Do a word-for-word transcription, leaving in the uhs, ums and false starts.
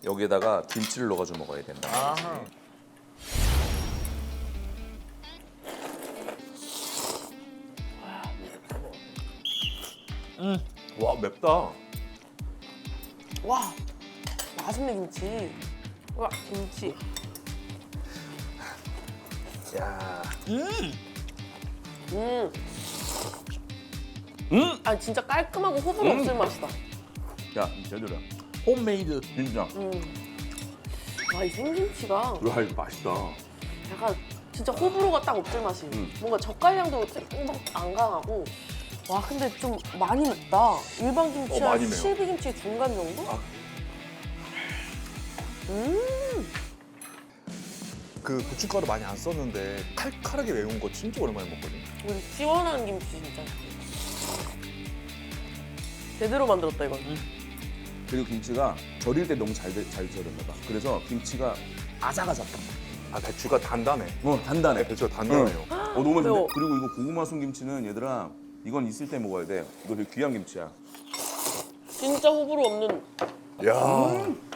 여기에다가 김치를 넣어가지고 먹어야 된다. 아하. 음. 와 맵다. 와, 맛있네 김치. 와, 김치. 야. 음. 음. 아 진짜 깔끔하고 호불호 음. 없을 맛이다. 야 제대로야. 홈메이드. 진짜. 음. 와, 이 생김치가 와 이거 맛있다. 약간 진짜 호불호가 딱 없을 맛이. 음. 뭔가 젓갈향도 조금 안 강하고. 와, 근데 좀 많이 맵다. 일반 어, 김치와 많이 매워. 실비김치 중간 정도? 아. 음. 그 고춧가루 많이 안 썼는데 칼칼하게 매운 거 진짜 오랜만에 먹거든. 우리 시원한 김치 진짜. 제대로 만들었다 이건. 그리고 김치가 절일 때 너무 잘잘 잘 절였나 봐. 그래서 김치가 아삭아삭. 아 배추가 단단해. 어 단단해. 네, 배추가 단단해요. 어 너무 맛있는데? 매워. 그리고 이거 고구마 순 김치는 얘들아 이건 있을 때 먹어야 돼. 이거 되게 귀한 김치야. 진짜 호불호 없는. 야.